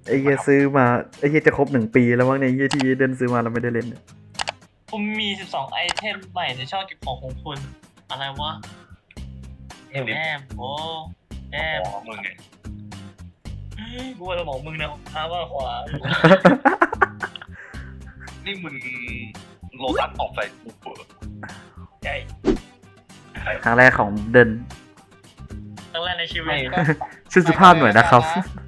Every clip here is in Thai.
ไอ้เหี้ยซื้อมาไอ้เหี้ยจะครบ1 ปีแล้วมั้งเนี่ยไอ้เหี้ยที่เดินซื้อมาเราไม่ได้เล่นเนี่ยผมมี12ไอเทมใหม่ในช่องเก็บของคุณอะไรวะเอ็มดิแอมโอ้แอมมึงไงกูว่าสมองมึงนะท้าว่าขวานี่มึงโลตัสออกใส่กูเปิดใหญ่ครั้งแรกของเดินครั้งแรกในชีวิตชื่อสุภาพหน่อยนะครับ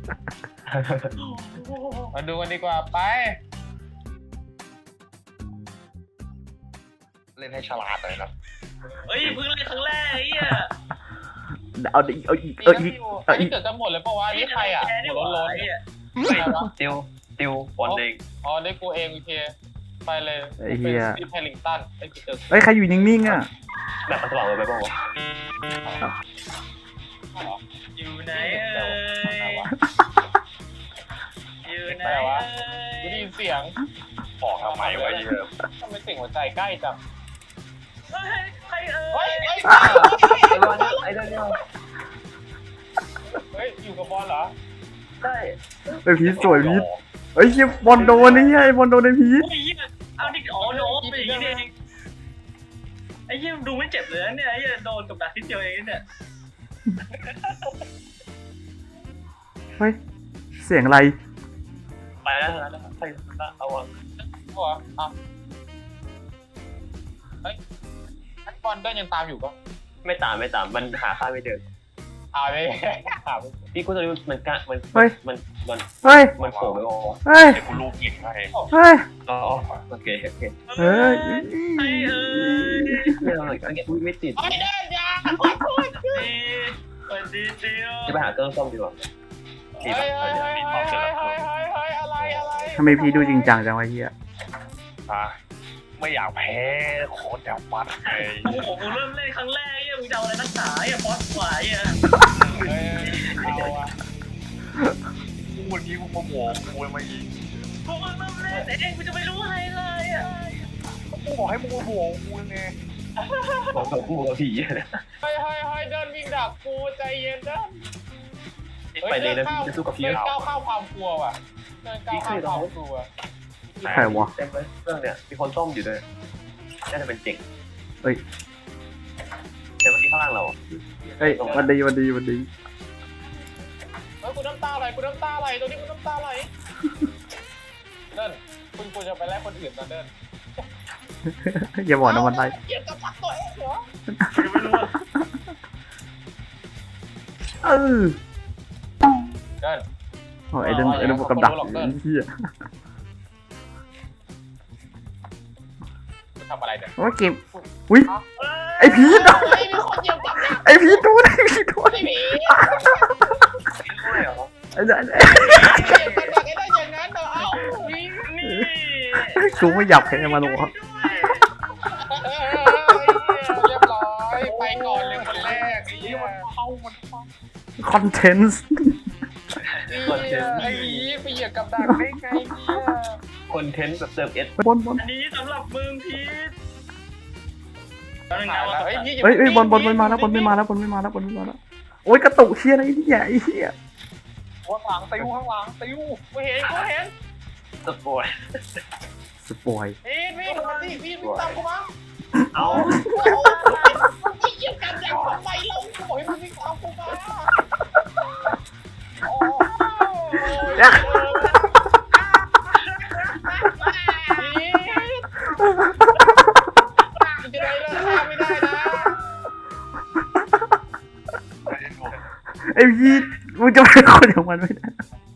มาดูกันดีกว่าไปเล่นให้ฉลาดเลยนะเฮ้ยเพิ่งเล่นครั้งแรกไอ้เหี้ยเอาดิเอาอีกอันอีนี้กเอาอีกเกิดกันหมดเลยปะวะนี่ใครอ่ะนี่หัวหว่าโล้นไอ้เหี้ยๆใครวะติวบอลเองอ๋อนี่กูเองโอเคไปเลยไอ้เหี้ยเป็นสตีฟแฮร์ริงตันไอ้กูเจอเอ้ยใครอยู่นิ่งๆอ่ะแบบมันสว่างเลยไปบ้างวะอยู่ไหนเอ้ยอยู่ไหนอะไรวะเอ้กูได้ยยินเสียงบอกทำไมวะเยอะทำไมเสียงหัวใจใกล้จังเฮ้ยใครเอ้เฮ้ยยเฮ้ยไอ้เรื่องนี้เฮ้ยอยู่กับบอลเหรอใช่ไอ้พีทสวยพีทเอ้ยเหี้ยบอลโดนไอ้เหี้ยไอ้บอลโดนไอ้พีทโอ้ยเหี้ยเอาดิอ๋อโดนเป็นอย่างนี้เองไอ้เหี้ยดูไม่เจ็บเลยนะเนี่ยไอ้เหี้ยโดนกับดักนิดเดียวเองเนี่ยเฮ้ยเสียงอะไรไปแล้วนะใครเอาวะหัวอ่ะเฮ้ยไอ้บอลเดินยังตามอยู่ปะไม่ตามมันหาค่าไม่เจออ่าไม่หาไม่พี่กูจะรู้มันกะมันเฮ้ยมันเฮ้ยมันโผล่ไปออกเฮ้ยเดี๋ยวกูรูปหยิงให้เฮ้ยอ๋อโอเคเฮ้ยไอ้เอ้ยไม่เอาเลยไม่ติดไอ้เดินยาดีสวัสดีจิวจะไปหาเครื่องซ่อมดีกว่าเฮ้ยเฮ้ยเฮ้ยเฮ้ยเฮ้ยเฮ้ยเฮ้ยอะไรอะไรทำไมพีทดูจริงจังจังวะเหี้ยไม่อยากแพ้โคตรแถวปัดไงโอ้โหกูเริ่มเล่นครั้งแรกเนี่ยมึงจะเอาอะไรนักหนาเนี่ยบอสขวายอ่ะเฮ้ยเอาอะกูวันนี้กูโมโหกูมายิงกูเพิ่งเริ่มเล่นเองกูจะไม่รู้อะไรเลยอ่ะกูบอกให้มึงโมโหกูไงบอกกับกูกับผีเฮ้ยเฮ้ยเฮ้ยเดินวิ่งดักกูใจเย็นเดินไปเลยนะจะสู้กับผีเดินเราก้าวข้ามความกลัวว่ะเดินก้าวข้ามความกลัวใครวะเต็มเลยเครื่องเนี่ยมีคนซ่อมอยู่ด้วยน่าจะเป็นเจ๋งเฮ้ยเดี๋ยววันนี้ข้างล่างเราเฮ้ยวันดีวันดีวันดีเฮ้ยกูน้ำตาไหลกูน้ำตาไหลตัวนี้กูน้ำตาไหลเดินคุณควรจะไปไล่คนอื่นนะเดินอย่าบอกนะมันไล่เกลียดกับปักตัวเองเหรอกูจะไม่รู้อ่ะเออเดินโอ้ยไอ้เดินไอ้เดินกับดักไอ้เหี้ยทำอะไรเนี่ยโอ้ยเกมอุ้ยไอพีทเฮ้ยมีคนเหยียบกับดักไอพีทโดนไอพีทโดนไอ้ผีด้วยเหรอไอ้เดินเหยียบกับดักไอ้ได้อย่างนั้นเหรอเอ้าวิ่งนี่กูไม่หยับแค่มาหรอกเรียบร้อยไปก่อนเลยคนแรกไอ้เหี้ยคอนเทนต์ไอ้ผีไปเหยียบกับดักได้ไงเนี่ยคอนเทนต์แบบเติมเอสบอลบอลอันนี้สำหรับมึงพีทเฮ้ยเฮ้ยบอลไม่มาแล้วบอลไม่มาแล้วบอลไม่มาแล้วบอลไม่มาแล้วโอ้ยกระตุกเชียอะไรเนี่ยไอ้เหี้ยข้างหลังติวข้างหลังติวกูเห็นกูเห็นสปอยสปอยพีทวิ่งมาสิพีทวิ่งตามกูมาเอาไม่เหยียบกับดักทำไมเราบอกให้มึงวิ่งตามกูมาโอ้พีทจะได้เลิกฆ่าไม่ได้นะไอ้พีทมึงจะเป็นคนอย่างมันไม่ได้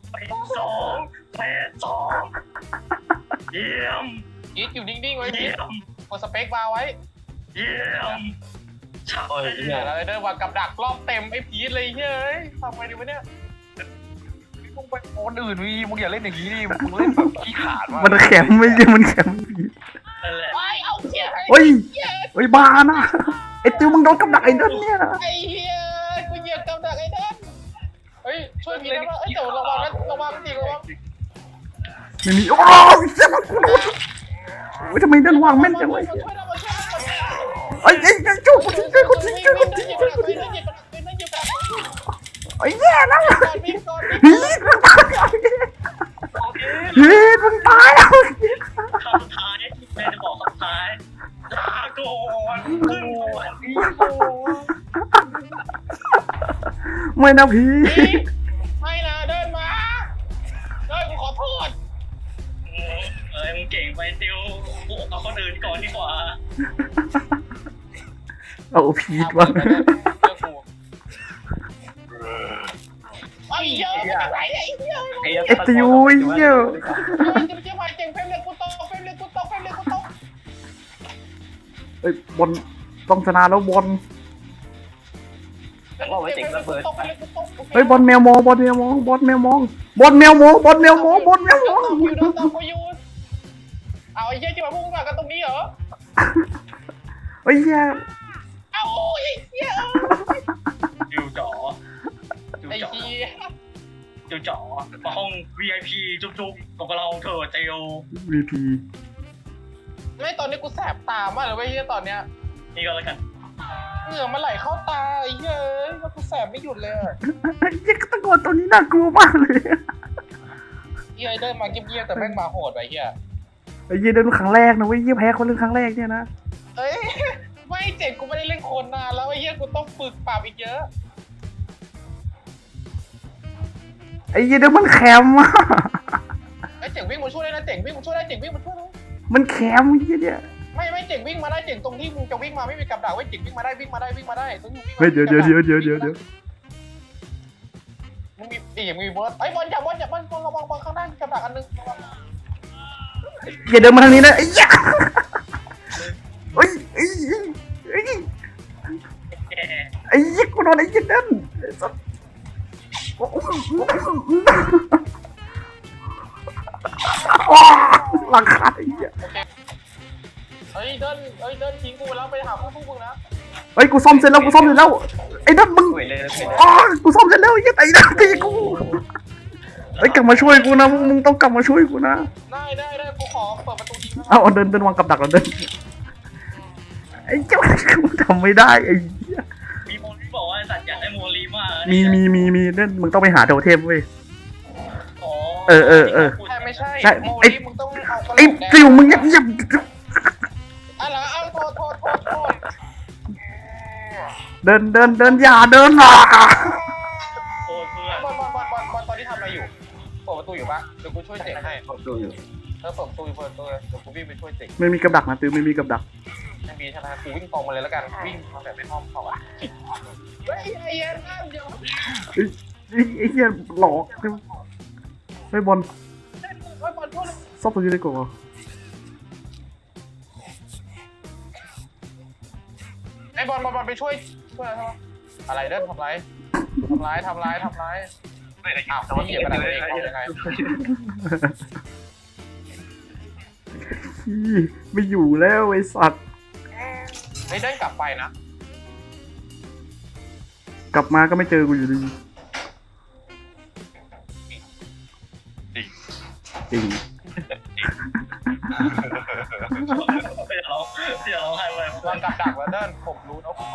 8-2เยี่ยมพีทอยู่นิ่งๆไว้พีเยี่ทยมกดสเปคบาร์ไว้เยี่ยมใช่โอ้ยเนี่เนี่ย ยอะไรเดินวางกับดักรอบเต็มไอ้พีทเลยเฮ้ยทำไงดีวะเนี่ยมึงไปคนอื่นวีมึงอย่าเล่นอย่างนี้ดิมึงเล่นแบบขี้ขาดมากมันแข็งไม่ใช่มันแข็งพีทนั่นแหละไอ้เอาเชี่ยเฮ้ยเฮ้ยบ้านะไอ้ติวมึงโดนกับดักไอ้เดินเนี่ยนะไอ้เฮียกูเหยียบกับดักไอ้เดินเฮ้ยช่วยพีทได้ป่ะเอ้ยแต่ระวังนะระวังจริงระวังไม่มีโอ้ยเจ็บกูโอ้ยทำไมเดินวางแม่นจังวะไอ้ไอ้จุ๊บกูทิ้งเลยกูทิ้งเลยกูทิ้งเลยไอ้แย่แล้ววิ่งก่อนพีทพีทมึงตายแล้วคำสุดท้ายแม่จะบอกคำสุดท้ายลาก่อนขึ้นสวรรค์ไม่นะพีพีททไม่นะเดินมาเดินกูขอโทษมึงเก่งไปติวกูเอาคนอื่นก่อนดีกว่าเอาพีทวะเจอกูไอ้เหี้ยมันอะไรเนี่ยไอ้เหี้ยไอ้ติวไอ้เหี้ยมันจะไปเจียบไปเจ๋งเฟรมเลยกูตกเฟรมเลยกูตกเฟรมเลยกูตกเอ้ยบอลต้องชนะแล้วบอลว่าไว้เจ๋งระเบิดเฮ้ยบอลแมวมองบอลแมวมองบอลแมวมองบอลแมวมองบอลแมวมองบอลแมวมองอยู่โดนตบกูอยู่เอาไอ้เหี้ยจะมาพุ่งมากันตรงนี้เหรอเฮ้ยเหี้ยเอาไอ้เหี้ยจิวจ๋อจิวไอ้จ๋อเหี้ยจิวจ๋อมาห้อง VIP จุ๊บๆกับเราเถอะเตียววีพีไม่ตอนนี้กูแสบตามากเลยเว้ยเหี้ยตอนเนี้ยนี่ก็แล้วกันเหงื่อมันไหลเข้าตาไอ้เหี้ยแล้วกูแสบไม่หยุดเลยอะไอ้เหี้ยตะโกนตัวนี้น่ากลัวมากเลยเหี้ยเดินมาเงียบๆแต่แม่งมาโหดไปเหี้ยไอ้เหี้ยเดินครั้งแรกนะเว้ยเหี้ยแพ้คนเรื่องครั้งแรกเนี่ยนะเอ้ยไม่เจ๋งกูไม่ได้เล่นคนนานแล้วไอ้เหี้ยกูต้องฝึกปรับอีกเยอะไอ้เหี้ยเดินมันแคมอะไอ้เจ๋งวิ่งมาช่วยได้นะเจ๋งวิ่งมาช่วยได้เจ๋งวิ่งมาช่วยได้มันแคมไอ้เหี้ยเนี่ยไม่เจ๋งวิ่งมาได้เจ๋งตรงที่มึงจะวิ่งมาไม่มีกับดักไว้เจ๋งวิ่งมาได้ต้องอยู่วิ่งมาเฮ้ยเดี๋ยวมึงมีอย่างมึงมีบอลไอ้บอลอย่าบอลระวังบอลข้างหน้ามีกับดักอันนึงอย่าเดินมาทางนี้นะไอ้เหี้ยเฮ้ยไอ้เหี้ยไอ้เหี้ยแกไอ้เหี้ยกูโดนไอ้เหี้ยนั่นไอ้สัสหลังคาไอ้เหี้ยเฮ้ยเดินทิ้งกูแล้วไปหาพวกมึงนะเฮ้ยกูซ่อมเสร็จแล้วไอ้นั่นมึงสวยเลยสวยเลยอ๋อกูซ่อมเสร็จแล้วไอ้เหี้ยไอ้นั่นตีกูเฮ้ยกลับมาช่วยกูนะมึงต้องกลับมาช่วยกูนะได้กูขอเปิดประตูทิ้งนะเอาเดินวางกับดักแล้วเดินไอ้เจ้ากูทำไม่ได้ไอ้เหี้ยมีโมลีบอกว่าสัตว์อยากได้โมลีมากมีเดินมึงต้องไปหาโทเทมเว้ยอ๋อใช่ไม่ใช่ใช่โมไอ้ลี่มึงต้องเอากระโหลไอ้กแดงติวมึงเงียบอะไรเอาโทษเดินอย่าเดินอ่ะโอ้เพื่อนบอลตอนนี้ทำอะไรอยู่เปิดประตูอยู่ปะเดี๋ยวกูช่วยเจ๋งให้ผมดูอยู่เปิดประตูเดี๋ยวกูวิ่งไปช่วยเจ๋งไม่มีกับดักนะติวไม่มีกับดักไม่มีใช่ไหมกูวิ่งตรงมาเลยแล้วกันวิ่งมาแบบไม่อ้อมเข้าอ่ะเฮ้ยไอ้เหี้ยน้ำเดี๋ยวไอ้เหี้ยหลอกเฮ้ยบอลไอ้บอลช่วยซ่อมตัวนี้ได้ก่อนไอ้บอลไปช่วยอะไรเด้อทำร้ายอ้าวพี่เหยียบกระดาษเองยังไงไม่อยู่แล้วไอ้สัตว์ไอ้เดินกลับไปนะกลับมาก็ไม่เจอกูอยู่ดีจริงเดี๋ยวเราให้ไว้วางกับดักแล้วเดินผมรู้นะผมมา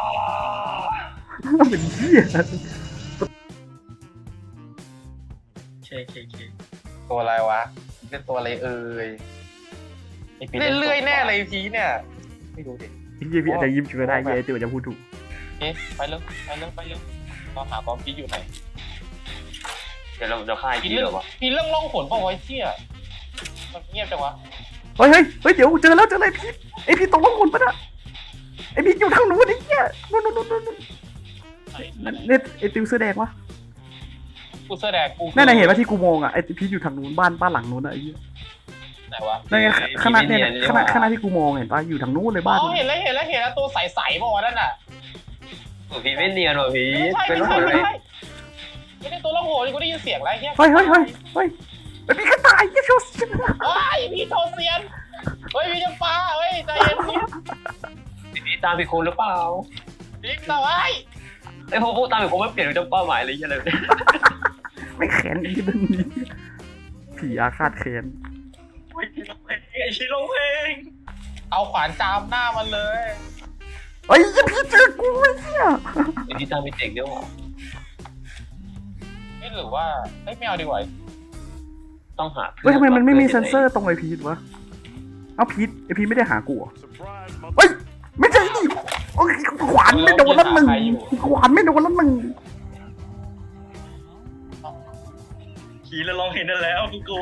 เป็นเหี้ยเคตัวอะไรวะเป็นตัวอะไรเอ่ยเล่นเลื่อยแน่เลยพีเนี่ยไม่รู้ดิไอ้เหี้ยพี่อาจจะยิ้มช่วยได้เหี้ยไอ้ติวจะพูดถูกเอ๊ะไปเรื่องเราหาความคิดอยู่ไหนเดี๋ยวเราค่ายพีพี่เรื่เหอรง อวะพีเรื่องล่องหนเปล่าวะเชี่ยมันเงียบจังวะเฮ้ยเดี๋ยวเจอเลยพี่ไอพี่ตกลงคนปะนะไอพี่อยู่ทางนู้นไอ้เหี้ยนู่นเนี่ยไอติวเสื้อแดงวะกูเสื้อแดงกูนั่นไงเห็นว่าที่กูมองอ่ะไอพี่อยู่ทางนู้นบ้านหลังนู้นอ่ะไอ้เหี้ยไหนวะนั่นไงขนาดเนี่ยขนาดที่กูมองเห็นปะอยู่ทางนู้นเลยอ๋บ้านอเห็นแล้วตัวใสๆป่าวะนั่นน่ะพี่ไม่เนียนว่ะพี่ไม่ใช่เป็นไม่หใช่มดไม่เลยใช่ไม่ได้ตัวล่องหนกูได้ยินเสียงอะไรเงี้ยเฮ้ยไอพี่ก็ตายยี่ชัวร์เฮ้ยพี่โทเซียนเฮ้ยพี่จะปาเฮ้ยใจเย็นพี่พี่ตามพี่คนหรือเปล่าพี่ตาไว้ไอ้พวกตามพี่คนไม่เปลี่ยนเป็นเป้าหมายอะไรอย่างเงี้ยเลยไม่แขนไอ้เรื่องนี้ผีอาฆาตแขนไอ้ชิลงเพลงเอาขวานจามหน้ามันเลยเฮ้ยพี่เจอกูไอ้เหี้ยไอ้ที่ตามพี่เจ๋งด้วยว่ะไม่หรือว่าไม่เอาดีกว่าต้องหาเฮ้ยทำไมมันไม่มีเซนเซอร์ตรงไอพีทวะเอาพีทไอพีทไม่ได้หากูเหรอเฮ้ยไม่ใช่ดิโอ้ยขวานไม่โดนแล้วมึงขวานไม่โดนแล้วมึงขี่แล้วลองเห็นนั่นแล้วกูกลัว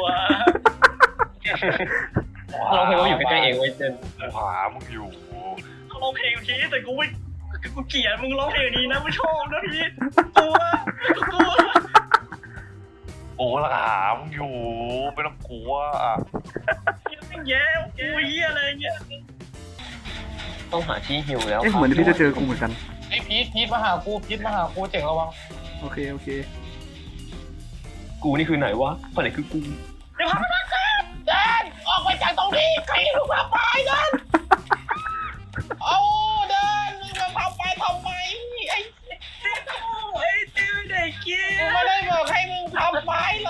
เราเคยว่าอยู่ใกล้ๆเองเว้ยเดินหามึงอยู่เขาร้องเพลงพี่แต่กูไม่กูเกลียดมึงร้องเพลงนี้นะไม่ชอบนะพี่กลัวกูกลัวโอ้ละหามึงอยู่ไม่ต้องกลัวอ่ะยังแย่กูเหี้ยอะไรเงี้ยต้องหาที่ฮิวแล้วเอ๊ะเหมือนพี่จะเจอกูเหมือนกันไอ้พีทมาหากูเจ๋งระวังโอเคโอเคกูนี่คือไหนวะคนไหนคือกูเดี๋ยวพาไปเดินออกไปจากตรงนี้ใครลูกมาไปเดินเอาเดินมึงมาทำไปทำไมไอ้ไอ้ติวเด็กเกี้ยกูไม่ได้บอกให้มึงทำไปเลย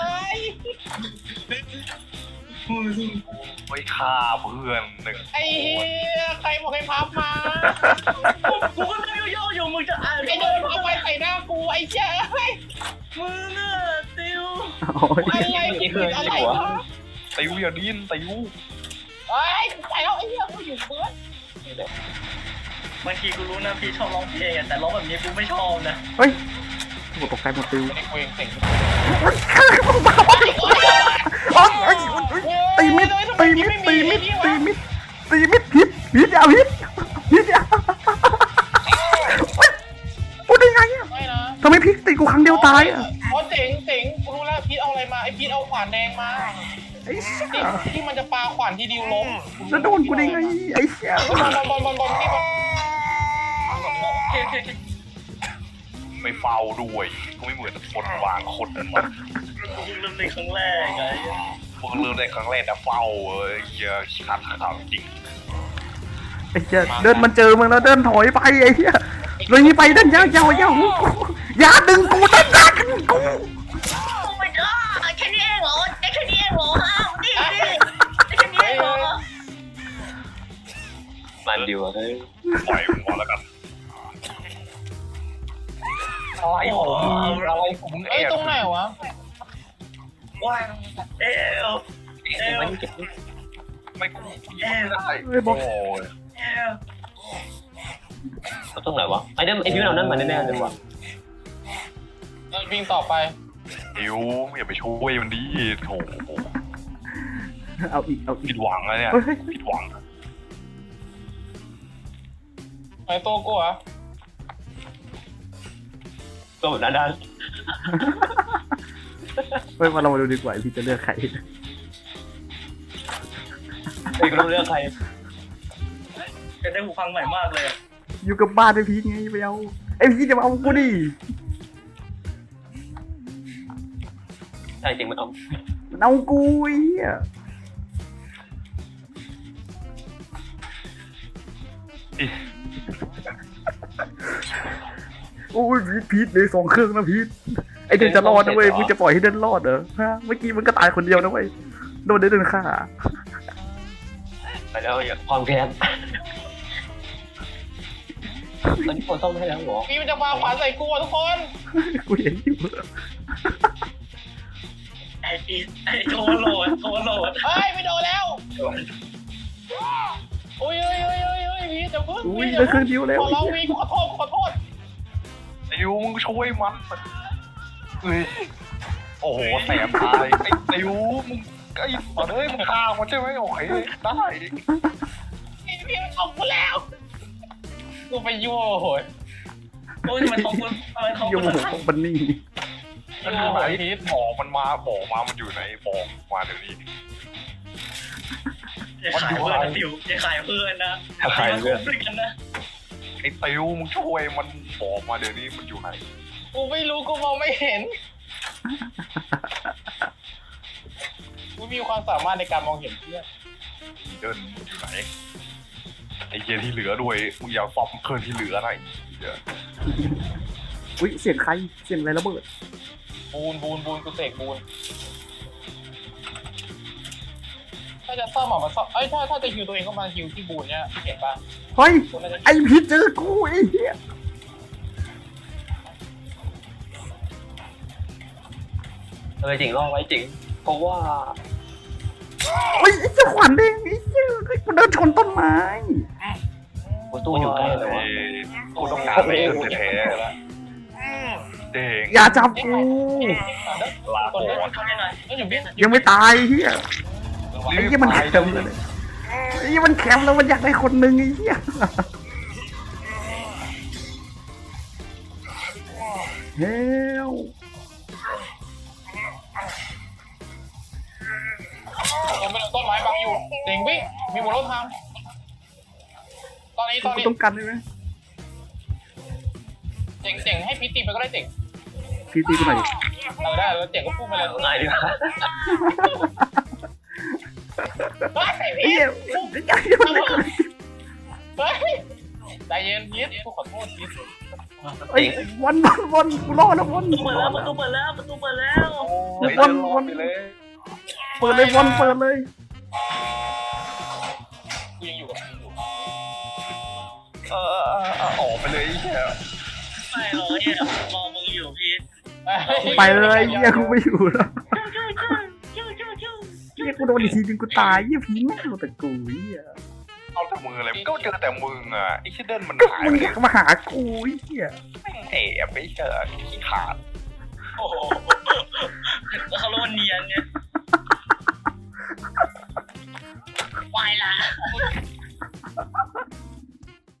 ไม่ฆ่าเพื่อนหนึ่งไอ้เหี้ยใครบอกให้พับมากูก็นั่งย่ออยู่มึงจะอ่านไอ้เดินเอาไปใส่หน้ากูไอ้เจ้าไอ้มึงอะติวโอ้ยอะไรอะไรวะติวอย่าดิ้นติวไอ้ใส่แล้วไอ้เหี้ยกูอยู่เพื่อนบางทีกูรู้นะพี่ชอบร้องเพลงแต่ร้องแบบนี้กูไม่ชอบนะเฮ้ยกูตกใจหมดติวไอ้กูเองเจ๋งตีมิดตีมิดตีมิดตีมิดตีมิดพิษอย่าพิษอย่ากูได้ไงอ่ะไม่นะทำไมพิษตีกูครั้งเดียวตายอ่ะอ๋อเจ๋งกูรู้แล้วพีทเอาอะไรมาไอ้พีทเอาขวานแดงมาไอ้เชี่ยที่มันจะปาขวานที่ดิวล้มแล้วโดนกูได้ไงไอ้เชี่ยบอลนี่บอลโอเคไม่เฝ้าด้วยกูไม่เหมือนคนวางคนนั้นมันกูเริ่มในครั้งแรกไงพวกเริ่มในครั้งแรกแต่เฝ้าเยอะชัดข่าวจริงไอ้เชี่ยเดินมันเจอมึงแล้วเดินถอยไปไอ้เชี่ยเลยนี่ไปเดินยาวอย่าดึงกูเดินยากกูโอ้ my god แค่นี้เองเหรอแค่นี้เองเหรอฮะนี่แค่นี้เองเหรอมันเดียวเฮ้ยปล่อยมึงก่อนแล้วกันอะไรของมึงอะไรของมึงเอ้ยตรงไหนวะว้าวเอลไม่เก็บไม่กูยิงไม่ได้โอ้ยเอลตรงไหนวะไอ้นั่นไอ้พี่เรานั่นมันแน่ๆเลยวะวิ่งต่อไปติวอย่าไปช่วยมันดิโถเอาอีกผิดหวังแล้วเนี่ยผิดหวังไอ้ตัวกูอะตัวแบบด้านเฮ้ยมาเรามาดูดีกว่าพี่จะเลือกใครๆไอ้กูต้องเลือกใครจะได้หูฟังใหม่มากเลยอยู่กับบ้านไอ้พีไงไปเอาไอ้พีจะมาเอากูดิใช่จริงมันเอามันเอากูไอ้เหี้ยโอ้ยพีทเลย2 เครื่องนะพีทไอเดินจะรอดนะเว้ยมึงจะปล่อยให้เดินรอดเหรอฮะเมื่อกี้มันก็ตายคนเดียวนะเว้ยโดนเดินฆ่าไปแล้วอย่าความแค้นตอนนี้คนซ่อมให้แล้วเหรอพี่มันจะปาขวานใส่กูทุกคนกูเห็นอยู่ไอ้โทรโหลดเฮ้ยไม่โดนแล้วโอ้ยพี่จะพึ่งอุ้ยแล้วเครื่องเดียวแล้วขอร้องวีกูขอโทษติวมึงช่วยมันเฮ้ยโอ้โหแสบตายไอ้ติวมึงไอ้ตอนเอ้ยมึงฆ่ามันใช่ไหมโอเคได้พี่มันเอากูแล้วกูไปยั่วโหยโอ้ยมันของกูมันของโยกูมของบันนี่มันอยู่ไหนบอกมันมามันอยู่ไหนบอกมาเดี๋ยวนี้อย่าขายเพื่อนนะติวอย่าขายเพื่อนนะด้วยกันนะไอ้ติวมึงช่วยมันบอกมาเดี๋ยวนี้มันอยู่ไหนกูไม่รู้กูมองไม่เห็นกูมีความสามารถในการมองเห็นเพื่อนเดินอยู่ไหนไอ้เกียที่เหลือด้วยมึงอย่าฟอมเคิร์นที่เหลือหน่อยเดี๋ยวอุ้ยเสียงใครเสียงอะไรระเบิดบูนกูเสกบูนถ้าจะซ่อมมาซ่อมถ้าจะฮิวตัวเองก็มาฮิวที่บูนเนี่ยเห็นป่ะเฮ้ยกูน่าจะไอพีเจอกูไอ้เหี้ยเออจริงรอไว้จริงเพราะว่าโอ้ยไอ้เจ้าขวัญเด้งไอ้เจ้าไอ้กูเดินชนต้นไม้ประตูอยู่ใกล้เลยวะกูต้องการไปจนแท้ๆเด้งอย่าจับกูลาคนโกนั้นเข้าได้หน่อยก็อยู่พี่ยังไม่ตายเฮียไอ้เหี้ยมันแคมป์เลยไอ้เหี้ยมันแคมป์แล้วมันอยากได้คนหนึ่งไอ้เหี้ยเฮ้ยผมเป็นต้นไม้บังอยู่เจ๋งพี่มีบนรถทางตอนนี้กูต้องกันได้ไหมเจ๋งให้พี่ตีไปก็ได้เจ๋งพี่ตีกูหน่อยได้แล้วเจ๋งก็พุ่งไปเลยง่ายดีกว่าไอ้เหี้ยไอ้เหี้ยมันเฮ้ยใจเย็นพีทกูขอโทษพีทไอ้วันกูรอดแล้ววันประตูเปิดแล้วประตูเปิดแล้วไอ้เดินลงไปเลยเปิดเลยวันเปิดเลยกูยังอยู่กับพีทอยู่ออกไปเลยไอ้เหี้ยไม่หรอกเนี่ยรอมึงอยู่พีทไปเลยเหี้ยกูไม่อยู่แล้วเหี้ยกูโดนอีกทีนึงกูตายเหี้ยผีแม่งเอาแต่กูเหี้ยเอาแต่มืออะไรก็เจอแต่มึงอ่ะไอ้เชี่ยเดินมันก็หายมึงไปอยากมาหากูไอ้เหี้ยแอบไปเจอขี้ขาด